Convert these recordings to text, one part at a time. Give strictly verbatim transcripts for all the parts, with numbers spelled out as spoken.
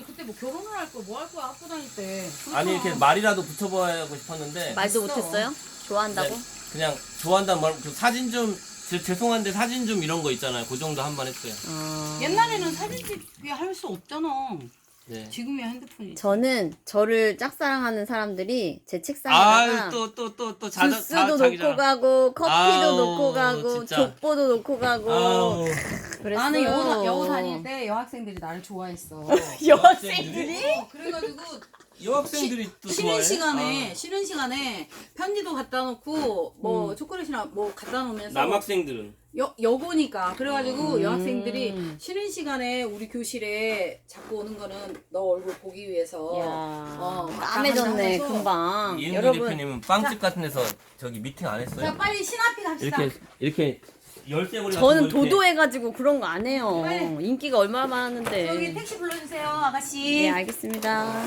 그때 뭐 결혼을 할 거 뭐 할 거야 학교 다닐 때. 아니 이렇게 말이라도 붙여보고 싶었는데 말도 있어. 못했어요? 좋아한다고? 네, 그냥 좋아한다는 말, 그 사진 좀 제- 죄송한데 사진 좀 이런 거 있잖아요. 그 정도 한 번 했어요. 어... 옛날에는 사진 찍기 할 수 없잖아. 네. 지금이야 핸드폰이. 저는 저를 짝사랑하는 사람들이 제 책상에다가 아또 또 또 또 자자 주스도 자기 놓고 자랑. 가고 커피도 아우, 놓고 가고 진짜. 족보도 놓고 가고 아우. 그랬어요. 나는 여고, 여고 다닐 때 여학생들이 나를 좋아했어. 여학생들이? 어, 그래가지고 여학생들이 또 쉬는 좋아해? 시간에 아. 쉬는 시간에 편지도 갖다 놓고 뭐 음. 초콜릿이나 뭐 갖다 놓으면서 남학생들은 여, 여고니까 그래가지고 음. 여학생들이 쉬는 시간에 우리 교실에 자꾸 오는 거는 너 얼굴 보기 위해서 야, 어, 까매졌네 하면서. 금방. 이은구 여러분 대표님은 빵집 같은 데서 저기 미팅 안 했어요? 자 빨리 신앞이 갑시다. 이렇게 이렇게 열쇠고리 같은 저는 거 이렇게 도도해가지고 그런 거 안 해요. 빨리. 인기가 얼마나 많았는데. 여기 택시 불러주세요 아가씨. 네 알겠습니다.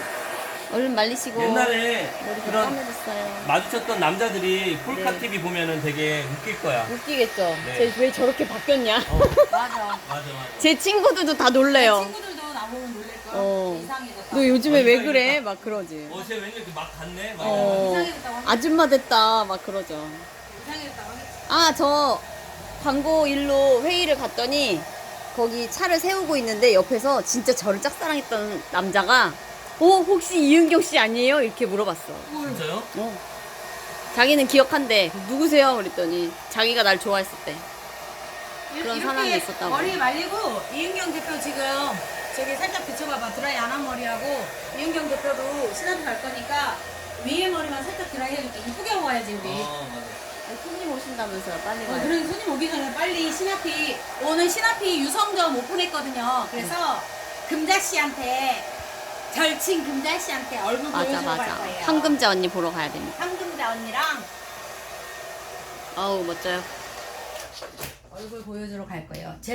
얼른 말리시고. 옛날에 머리가 그런 까매졌어요. 마주쳤던 남자들이 폴카 네. 티비 보면은 되게 웃길 거야. 웃기겠죠. 네. 쟤 왜 저렇게 바뀌었냐? 어, 맞아. 맞아 맞아. 제 친구들도 다 놀래요. 친구들도 나보고 놀랄걸. 어. 이상해졌다. 너 요즘에 어, 왜 이상하겠다. 그래? 막 그러지. 어제 왠지 이렇게 막 갔네. 막 어, 이상해졌다고 하겠지. 아줌마 됐다. 막 그러죠. 이상해졌다고 하겠지. 아, 저 광고 일로 회의를 갔더니 거기 차를 세우고 있는데 옆에서 진짜 저를 짝사랑했던 남자가 어, 혹시 이은경 씨 아니에요? 이렇게 물어봤어. 진짜요? 어. 자기는 기억한대. 누구세요? 그랬더니 자기가 날 좋아했을 때. 그런 이렇게 사람이 있었다고. 머리 말리고 이은경 대표 지금 저기 살짝 비춰봐봐. 드라이 안 한 머리하고 이은경 대표도 신한테 갈 거니까 위에 머리만 살짝 드라이 해줄게. 이쁘게 하고 가야지 우리. 어 맞아. 손님 오신다면서요. 빨리 어, 가요. 그래 손님 오기 전에 빨리 신하피 오늘 신하피 유성점 오픈했거든요. 그래서 금자 씨한테 절친 금자 씨한테 얼굴 맞아, 보여주러 갈 맞아. 거예요. 황금자 언니 보러 가야 됩니다. 황금자 언니랑 어우, 멋져요. 얼굴 보여주러 갈 거예요. 제